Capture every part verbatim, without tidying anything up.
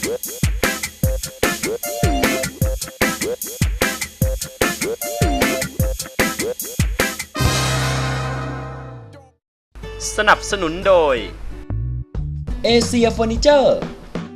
สนับสนุนโดยเอเชียเฟอร์นิเจอร์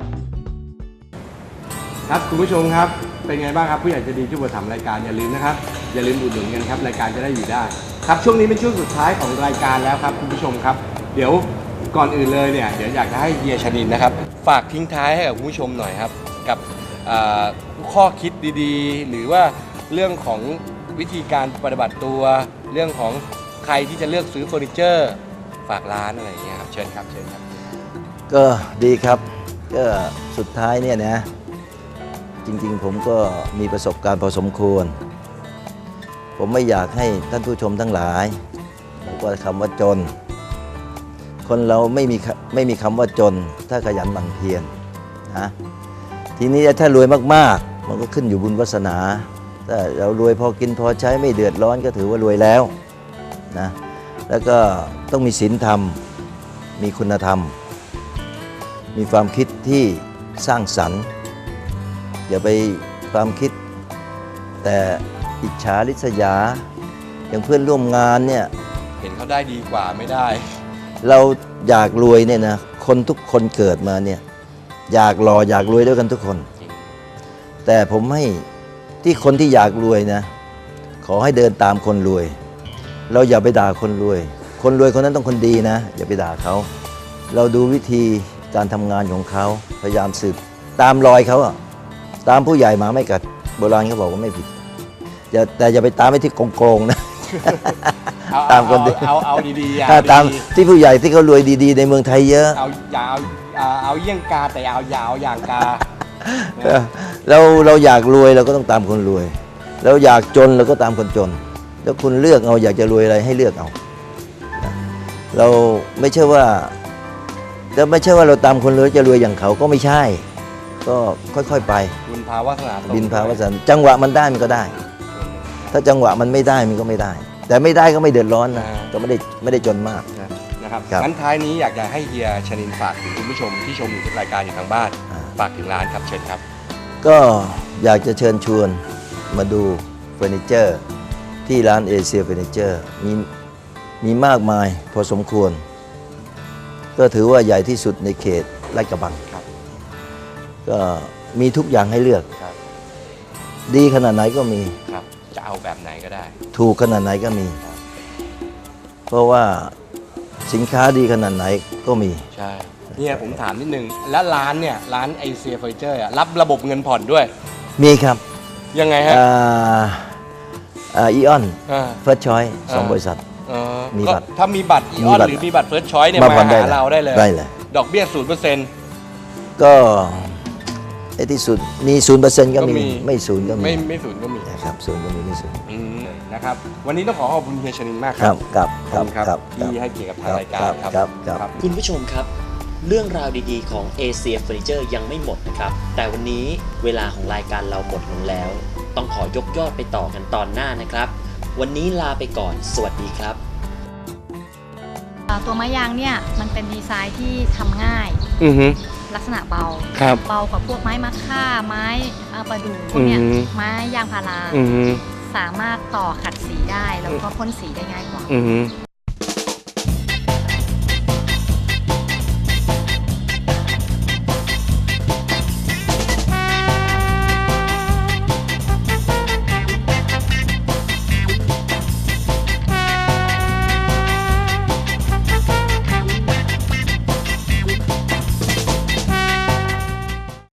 ครับคุณผู้ชมครับเป็นไงบ้างครับผู้ใหญ่ใจดีช่วยทำรายการอย่าลืมนะครับอย่าลืมอุดหนุนกันครับรายการจะได้อยู่ได้ครับช่วงนี้เป็นช่วงสุดท้ายของรายการแล้วครับคุณผู้ชมครับเดี๋ยวก่อนอื่นเลยเนี่ยเดี๋ยวอยากจะให้เฮียชนินนะครับฝากทิ้งท้ายให้กับคุณผู้ชมหน่อยครับกับข้อคิดดีๆหรือว่าเรื่องของวิธีการปฏิบัติตัวเรื่องของใครที่จะเลือกซื้อเฟอร์นิเจอร์ฝากร้านอะไรอย่างเงี้ยครับเชิญครับเชิญครับก็ดีครับก็สุดท้ายเนี่ยนะจริงๆผมก็มีประสบการณ์พอสมควรผมไม่อยากให้ท่านผู้ชมทั้งหลายบอกว่าคำว่าจนคนเราไม่มีไม่มีคำว่าจนถ้าขยันหมั่นเพียรนะทีนี้ถ้ารวยมากๆมันก็ขึ้นอยู่บุญวาสนาถ้าเรารวยพอกินพอใช้ไม่เดือดร้อนก็ถือว่ารวยแล้วนะแล้วก็ต้องมีศีลธรรมมีคุณธรรมมีความคิดที่สร้างสรรค์อย่าไปความคิดแต่อิจฉาริษยาอย่างเพื่อนร่วมงานเนี่ยเห็นเขาได้ดีกว่าไม่ได้เราอยากรวยเนี่ยนะคนทุกคนเกิดมาเนี่ยอยากหล่ออยากรวยด้วยกันทุกคนแต่ผมให้ที่คนที่อยากรวยนะขอให้เดินตามคนรวยเราอย่าไปด่าคนรวยคนรวยคนนั้นต้องคนดีนะอย่าไปด่าเขาเราดูวิธีการทำงานของเขาพยายามสืบตามรอยเขาอะตามผู้ใหญ่มาไม่กัดโบราณเขาบอกว่าไม่ผิดอย่าแต่อย่าไปตามไปที่โกงๆนะตามคนดีเอาเอาดีๆถ้าตามที่ผู้ใหญ่ที่เขารวยดีๆในเมืองไทยเยอะเอาอย่าเอาเอาเยี่ยงกาแต่เอายาวอย่างกาเราเราอยากรวยเราก็ต้องตามคนรวยเราอยากจนเราก็ตามคนจนแล้วคุณเลือกเอาอยากจะรวยอะไรให้เลือกเอาเราไม่ใช่ว่าแล้วไม่ใช่ว่าเราตามคนรวยจะรวยอย่างเขาก็ไม่ใช่ก็ค่อยๆไปบินภาวาสนาบินภาวาสนาจังหวะมันได้มันก็ได้ถ้าจังหวะมันไม่ได้มันก็ไม่ได้แต่ไม่ได้ก็ไม่เดือดร้อนนะก็ไม่ได้ไม่ได้จนมากนะครับงั้นท้ายนี้อยากจะให้เฮียชนินฝากถึงคุณผู้ชมที่ชมอยู่ทุกรายการอยู่ทางบ้านฝากถึงร้านครับเชิญครับก็อยากจะเชิญชวนมาดูเฟอร์นิเจอร์ที่ร้านเอเชียเฟอร์นิเจอร์มีมีมากมายพอสมควรก็ถือว่าใหญ่ที่สุดในเขตลาดกระบังครับก็มีทุกอย่างให้เลือกครับดีขนาดไหนก็มีครับจะเอาแบบไหนก็ได้ถูกขนาดไหนก็มีเพราะว่าสินค้าดีขนาดไหนก็มีใช่เนี่ยผมถามนิดนึงแล้วร้านเนี่ยร้านเอเชียเฟอร์นิเจอร์รับระบบเงินผ่อนด้วยมีครับยังไงฮะอ่าอ่าอีออนเฟิร์สชอยส์สองบริษัทมีบัตรถ้ามีบัตรอีออนหรือมีบัตรเฟิร์สชอยส์เนี่ยมาหาเราได้เลยได้เลยดอกเบี้ยศูนย์เปอร์เซ็นต์ก็ไอ้ที่สุดมีศูนย์เปอร์เซ็นต์ก็มีไม่ศูนย์ก็มีไม่ไม่ศูนย์ก็มีนะครับศูนย์ก็มีไม่ศูนย์นะครับวันนี้ต้องขอขอบคุณเฮียชนินมากครับครับครับที่ให้เกียรติกับทางรายการครับครับคุณผู้ชมครับเรื่องราวดีๆของเอเชียเฟอร์นิเจอร์ยังไม่หมดนะครับแต่วันนี้เวลาของรายการเราหมดลงแล้วต้องขอยกยอดไปต่อกันตอนหน้านะครับวันนี้ลาไปก่อนสวัสดีครับตัวไม้ยางเนี่ยมันเป็นดีไซน์ที่ทำง่ายลักษณะเบาเบากว่าพวกไม้มะค่าไม้ประดู่พวกเนี้ยไม้ยางพาราสามารถต่อขัดสีได้แล้วก็พ่นสีได้ง่ายกว่า